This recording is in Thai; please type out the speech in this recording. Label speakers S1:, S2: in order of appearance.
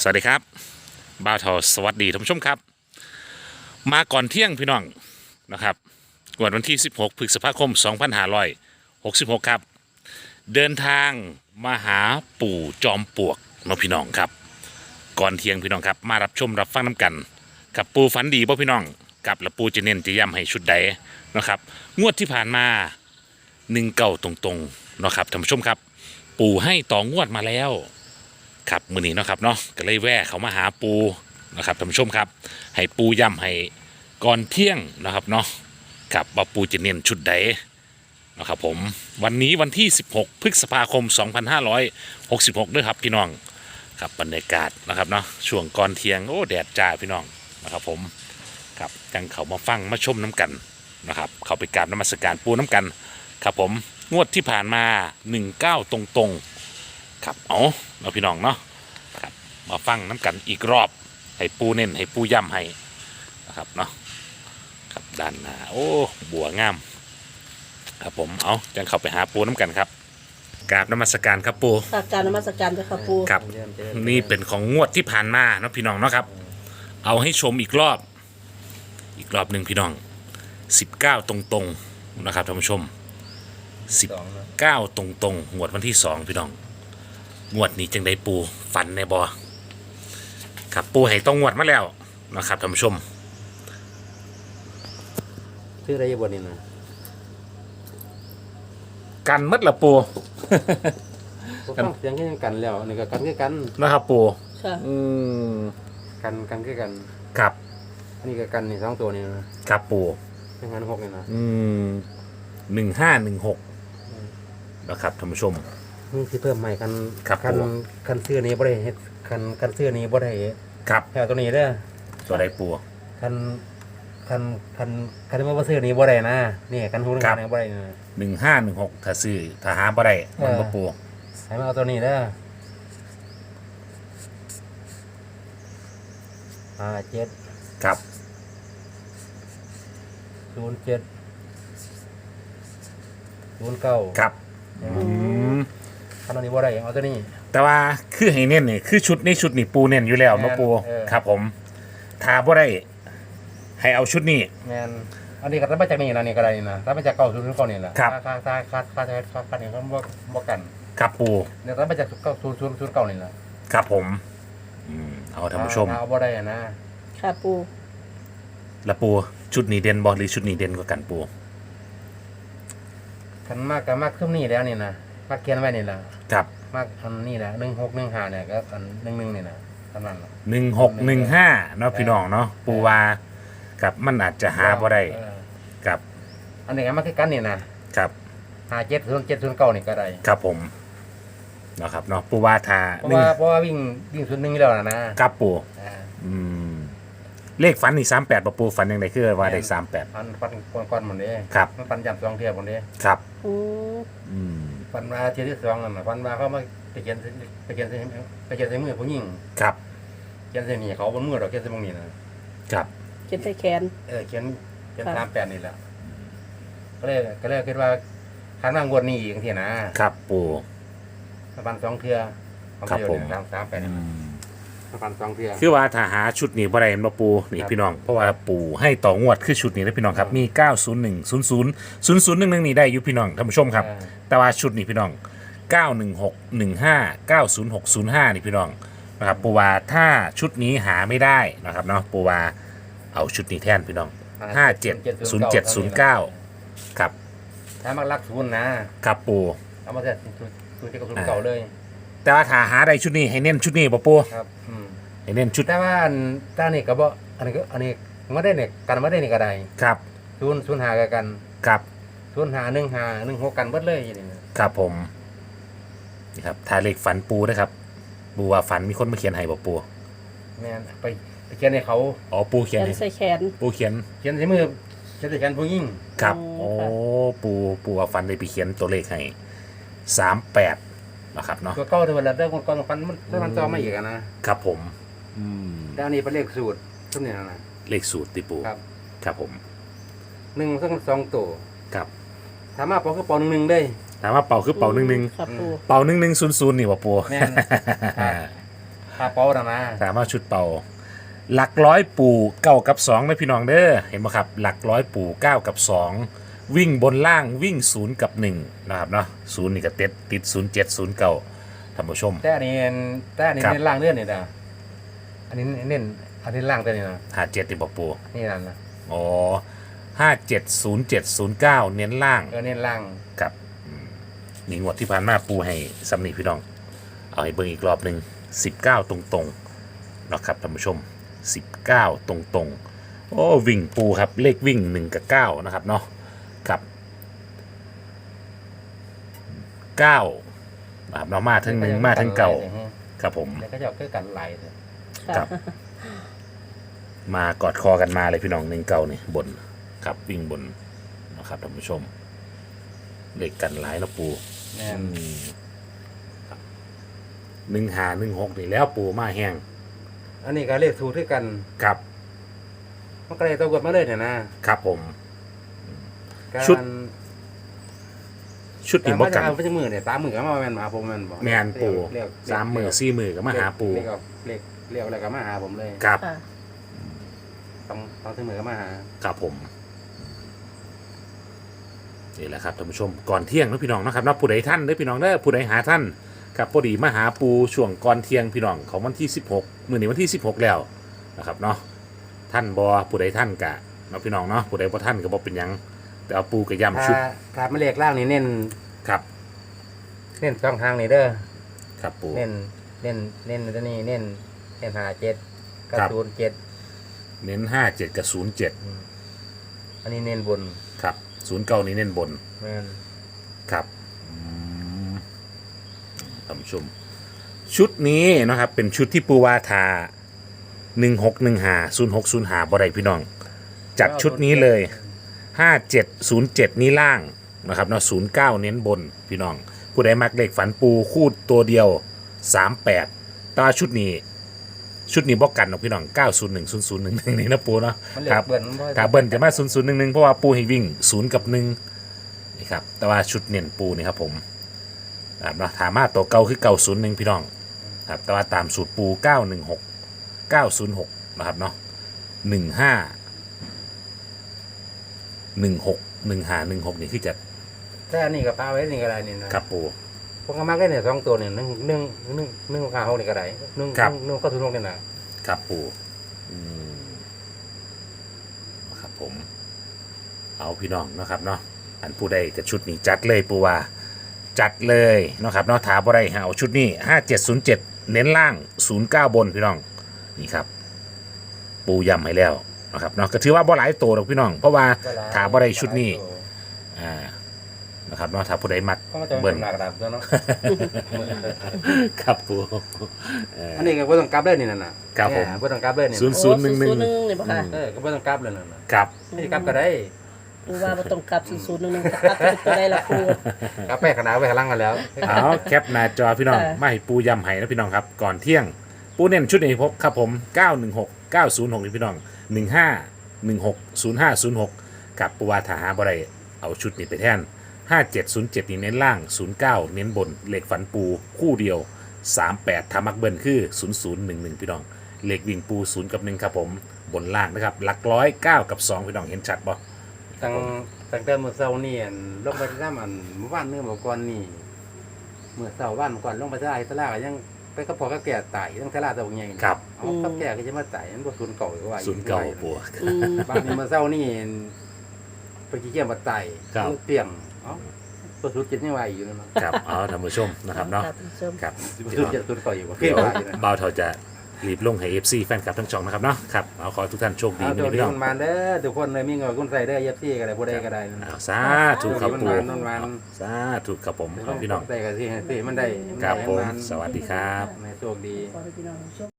S1: สวัสดีครับบ่าวทอสวัสดีท่านผู้ชมครับมาก่อนเที่ยงพี่น้องนะครับวันที่16พฤษภาคม2566ครับเดินทางมาหาปู่จอมปลวกน้องพี่น้องครับก่อนเที่ยงพี่น้องครับมารับชมรับฟังน้ำกันกับปู่ฝันดีป่ะพี่น้องกับและปู่จะเน้นจะย้ำให้ชุดใดนะครับงวดที่ผ่านมา19ตรงๆนะครับท่านผู้ชมครับปู่ให้ต่องวดมาแล้วครับมื้อนี้เนาะครับเนาะก็เลยแวะเขามาหาปูนะครับท่านผู้ชมครับให้ปูย้ำให้ก่อนเที่ยงนะครับเนาะครับว่าปูจะเน้นชุดใดนะครับผมวันนี้วันที่16พฤษภาคม2566ด้วยครับพี่น้องครับบรรยากาศนะครับเนาะช่วงก่อนเที่ยงโอ้แดดจ้าพี่น้องนะครับผมครับจังเขามาฟังมาชมน้ำกันนะครับเขาไปกราบนมัสการปูน้ำกันครับผมงวดที่ผ่านมา19ตรงๆครับเอาพี่น้องเนาะครับมาฟังน้ำกันอีกรอบให้ปูเน้นให้ปูย้ำให้นะครับเนาะครับด้านหน้าโอ้บัวงามครับผมเอาจังเข้าไปหาปูน้ำกันครับกราบนมัสการครับปู
S2: การนมัสการเจ้าค่ะปู
S1: ครับนี่เป็นของงวดที่ผ่านมาเนาะพี่น้องเนาะครับเอาให้ชมอีกรอบหนึ่งพี่น้อง19ตรงๆนะครับท่านผู้ชม19ตรงๆงวดวันที่2พี่น้องงวดนี้จังได้ปูฝันในบ่ครับปูให้ต้องงวดมาแล้วนะครับท่านผู้ชม
S3: ชื่ออะไรบนนี่นะ
S1: กันมัดละปู
S3: กันเสียงแค่กันแล้วนี่ก็กันคือกัน
S1: นะครับปู
S2: ค่ะ
S3: กันคือกัน
S1: ครับ
S3: อันนี้ก็กันนี่2ตัวนี่นะครับ
S1: ปู
S3: เป็นงาน6นี่นะ
S1: 1516นะครับท่านผู้ชม
S3: นี่ที่เพิ่มใหม่กัน
S1: ครับ
S3: กันเสื้อนี้บ่ได้เฮ็ดกันเสื้อนี้บ่ได้
S1: ครับ
S3: แถวตัวนี้เด้อ
S1: ตัวใดปู
S3: คันว่าเสื้อนี้บ่ได้นะนี่กันหูนึงบ่ได้นะ
S1: 1516ถ้าซื้อถ้าหาบ่ได้มันบ่ปู
S3: ให้มาเอาตัวนี้เด้อ7
S1: ครับ
S3: 07 09
S1: ครับ
S3: คันนี้บ่ได้เอาตัวนี้
S1: แต่ว่าคือให้เน้นนี่คือชุดนี้ปูเน้นอยู่แล้วเนาะปูครับผมถ้าบ่ได้ให้เอาชุดนี้
S3: แม่นอันนี้ก็รับมาจากนี่นะนี่ก็ได้นะรับมาจาก90ถึง9นี่แหละค่านี่เขาบ่กัน
S1: ครับปู
S3: เนี่ยรับมาจาก90 09นี่แหละ
S1: ครับผมเอาท่านผู้ชม
S3: เอาบ่ได้นะ
S2: ค่ะปู
S1: แล้วปูชุดนี้เด่นบ่หรือชุดนี้เด่นกว่ากันปู
S3: คันมากก็มากขึ้นนี่แล้วนี่นะมากเขียนไว้นี่ล่ะ
S1: ครับ
S3: มากอันนี้แหละ1615เนี่ยก็อัน11นี่นะประมาณ
S1: 1615เนาะพี่น้องเนาะปูว่ากับมันอาจจะหาบ่ได้กับ
S3: อันนี้ก็มาคือกันนี่นะครับ570709นี่ก็ได้
S1: ครับผมนะครับเนาะปูว่าถ้า
S3: เพราะว่าวิ่ง01อยู่แล้วนะครับ
S1: ปูเลขฝันนี่38บ่ปูฝันยังไงคือว่าได้38
S3: ฝันก่อนหมดเด้
S1: ครับ
S3: มันฝันย้ำ2เที่ยหมดเด้
S1: ครับ
S3: ฝันว่าเที่ยที่2นั่นน่ะฝันว่าเขามาไปเขียนใส่มือผู้หญิง
S1: ครับ
S3: เขียนใส่นี่เขาบนมือดอกเขียนใส่ตรงนี้นะครับ
S2: เขียนใส่แขน
S3: เขียน38นี่แหละก็เลยคิดว่าคันว่างวดนี้อีกทีนะครับ
S1: ปู่
S3: ฝัน2เที่ย
S1: ครับผม
S3: 38นี่ฝัน2เที่ย
S1: คือว่าถ้าหาชุดนี้บ่ได้บ่ปูนี่พี่น้องเพราะว่าปู่ให้ต่องวดคือชุดนี้นะพี่น้องครับมี901 0011นี่ได้อยู่พี่น้องท่านผู้ชมครับแต่ว่าชุดนี้พี่น้อง91615 90605นี่พี่น้องนะครับปูว่าถ้าชุดนี้หาไม่ได้นะครับเนาะปูว่าเอาชุดนี้แทนพี่น้อง570709ครับ
S3: ถ้ามักรักศูนย์นะครับ
S1: ปู
S3: เอามาแต่0กับ0เก่าเลย
S1: แต่ว่าถ้าหาได้ชุดนี้ให้เน้นชุดนี้บ่ปู
S3: ครับ
S1: ให้เน้นชุด
S3: แต่ว่าต้านี่ก็บ่อันนี้บ่ได้เนี่ยกันบ่ได้นี่ก็ได้
S1: ครับ
S3: 05ก็กัน
S1: ครับ
S3: 051516กันเบิดเลยอย่างนี้
S1: ครับผมนี่ครับถ้าเลขฝันปูนะครับปูว่าฝันมีคนมาเขียนให้บ่ปู
S3: แม่นไปเขียนให้เขา
S1: อ๋อปูเขียน
S2: ใส่แขน
S1: ปูเขียน
S3: ใส่มือเขียนใส่แขนผู้หญิง
S1: ครับโอ้ปูว่าฝันได้ไปเขียนตัวเลขให้38นะครับเนาะ
S3: ตัวเก่าที่ว่าแล้วก่อนฝันมันต่อมาอีกนะครับ
S1: ผม
S3: แล้วนี่เป็นเลขสูตรทุกนี่นะ
S1: เลขสูตรติปูครับผม
S3: 1สัก2ตัว
S1: ครับ
S3: ถามว่าเป่าคือเป่า11ได้
S1: ถามว่าเป่าคือเป่า11
S2: ครับปู
S1: เป่า1100นี่บ่ปู
S3: แม่นขาเป้านะนะ
S1: ถามว่าชุดเป่าหลักร้อยปู่เก้ากับสองนะพี่น้องเด้อเห็นไหมครับหลักร้อยปู่เก้ากับสองวิ่งบนล่างวิ่งศูนย์กับหนึ่งนะครับเนาะศูนย์นี่ก็ติด0709ท่านผู้ชม
S3: แต่อันนี้
S1: ครับ
S3: เน้นล่างเลื่อนนี่นะอันนี้เน้นอันนี้ล่างตัวนี้นะ
S1: 57นี่บอกปู่
S3: นี่นั่นนะ
S1: อ๋อ570709เน้นล่าง
S3: เน้นล่าง
S1: กับนี่งวดที่ผ่านมาปูให้สำนีพี่น้อง เอาให้เบิ่งอีกรอบหนึ่ง19 ตรงๆนะครับท่านผู้ชม 19 ตรงๆ โอ้วิ่งปูครับเลขวิ่ง1กับ9นะครับเนาะกับ9นะครับเนาะมาทั้ง1มาทั้งเก่าครับผม
S3: แล้วก็จะเอาเพื่อกันไหลเลย
S1: ครับ มากอดคอกันมาเลยพี่น้อง1เก่านี่บนครับวิ่งบนนะครับท่านผู้ชมเลขกันหลายแล้วปู
S3: แม่น
S1: 1516นี่แล้วปูมาแห้ง
S3: อันนี้ก็เลขถูกด้วยกัน
S1: ครับ
S3: มันก็เลยตัวกดมาเลยเนี่ยนะครับ
S1: ผม
S3: การ
S1: ชุดนี้บ่
S3: มา
S1: กั
S3: จะ
S1: น
S3: เอาไปจะมือเนี่ย3 มือก็มาแม่นมาผมแม่นบอก
S1: แมนปู
S3: เรียก
S1: 3 มือ4 มือก็มาหาปู
S3: เรียกอะไรก็มาหาผมเลย
S1: ครับ
S2: ค่ะ
S3: ต้องถึงมือก็มาหา
S1: ครับผมนี่แหละครับท่านผู้ชมก่อนเที่ยงนะพี่น้องนะครับนะผู้ใดท่านเด้อพี่น้องเด้อผู้ใดหาท่านครับพอดีมาหาปูช่วงก่อนเที่ยงพี่น้องของวันที่16มื้อนี้วันที่16แล้วนะครับเนาะท่านบ่ผู้ใดท่านกะเนาะพี่น้องเนาะผู้ใดบ่ท่านก็บ่เป็นหยังแต่เอาปูก็ย้ำชุด
S3: ถ้าไม่เลขล่างนี่เน้น
S1: ครับ
S3: ช่องทางนี่เด้อ
S1: ครับปู
S3: เน้นตัวนี้เน้น57กับ
S1: ครับ
S3: 07
S1: เน้น57กับ07
S3: อันนี้เน้นบน
S1: ครับ09นี้เน้นบน
S3: แม่น
S1: ครับท่านผู้ชมชุดนี้นะครับเป็นชุดที่ปูวาทา16150605บ่ได้พี่น้อง จัดชุดนี้เลย 5707 นี้ล่างนะครับเนาะ09 เน้นบนพี่น้อง ผู้ใดมักเลขฝันปูคู่ตัวเดียว 38ตาชุดนี้บอกกันเนาะพี่น้อง 901 0011 นี่นะปูเนาะ
S3: มันเล
S1: ค
S3: ข
S1: รับ
S3: เบิ้ลมันบ่
S1: ถ้าเบิ้ลจะมา0011เพราะว่าปูให้วิ่ง0กับ1นี่ครับแต่ว่าชุดเน้นปูนี่ครับผมนะครับเนาะถามาตัวเก่าคือ901พี่น้องครับแต่ว่าตามสูตรปู916 906นะครับเนาะ15 16 นี่คือจะ
S3: แต่อันนี้ก็ปลาไว้นี่ก็ได้นี่นะครับ
S1: ปู
S3: พวกก็มักได้เนี่ย2ตัวนี่1 5 6นี่ก็ได้1ก็ถูกลงนี่นะครับ
S1: ปูนะครับผมเอาพี่น้องนะครับเนาะอันผู้ใดกับชุดนี้จัดเลยปูว่าจัดเลยนะครับเนาะถาบ่ได้หาเอาชุดนี้5707เน้นล่าง09บนพี่น้องนี่ครับ ปูย้ำให้แล้วนะครับเนาะก็ถือว่าบ่หลายตัวหรอกพี่น้องเพราะว่าถาบ่ได้ชุดนี้นะครับเนาะถ้าผู้ใดมัก
S3: เพราะมันจะ
S1: เบิ้
S3: เป็
S1: ล
S3: นหลักดับตัวเนาะ
S1: ครับปู
S3: อันนี้ก็บ่ต้องกลับเลยนี่นั่นน่ะ
S1: ครับผม
S3: บ่ต้องกลับเลยนี่
S1: ศูนย์
S2: โอ้001นี่บ่ค่ะ
S3: ก็บ่ต้องกลับเลยนั่นน่ะ
S1: ครับ
S3: นี่กลับก็ได้
S2: ปูว่าบ่ต้องกลับ0011กลับตัวใดล่ะปู
S3: กลับไปขนาดไปข้างหลังกันแล้ว
S1: เอาแคปหน้าจอพี่น้อง
S2: ค่ะ
S1: มาให้ปูย้ำให้นะพี่น้องครับก่อนเที่ยงปูเน้นชุดนี้พบครับผม916 906นี่พี่น้อง15 16 0506กับปูวาถาหาบ่ได้เอาชุดนี้ไปแทน5707นี่เน้นล่าง09เน้นบนเลขฝันปูคู่เดียว38ทามักเบิ้ลคือ0011พี่น้องเลขวิ่งปู0กับ1ครับผมบนล่างนะครับหลักร้อย9กับ2พี่น้องเห็นชัดบ่
S3: ตั้งแต่มื้อเช้านี่ลงไปที่น้ำเมื่อวานมื้อก่อนนี่มื้อเช้าวันก่อนลงไปที่ไอ้ตลาดก็ยังไปกับพ่อกับแก่ตายทั้งตลาดตัวใหญ่
S1: ครับ
S3: เอากับแก่ก็จะมาตายมันบ่ศูนย์เก่าหรือว่า
S1: 09ปู
S2: อืม
S3: บ้านนี้มื้อเช้านี่ไปขี้เกียจมาตาย
S1: ครับ
S3: เปียงเอ้าบ่ศูนย์7ยังว่าอยู่นั่นเนาะ
S1: ครับเอาท่านผู้ชมนะครับเนาะ
S2: ท่านผู้ชม
S1: ครับ
S3: บ่ศูนย์7ศูนย์เก่าอยู่บ่
S1: เดี๋ยว
S3: ว่าอยู่นะ
S1: บ่าวเทาจะรีบลงให้ FC แฟนคลับทั้งช่องนะครับเนาะครับเอาขอให้ทุกท่านโชคดี
S3: เอา
S1: มี
S3: ตัว
S1: พี่
S3: นี้
S1: น้อง
S3: มันมาเด้อทุกคนเลยมีเงินคุณใส่เด้อ FC ก็ได้บ่ได้ก็ได้นะ
S1: เอาสาธุครับปู
S3: มันมา
S1: สาธุครับผมขอบพี่น้อง
S3: ใส่ก็สิให้สิมันได้
S1: ครับผม
S3: ให้น
S1: สวัสดีครับ
S3: ให้โชคดี
S2: ขอให้พี่น้องโชค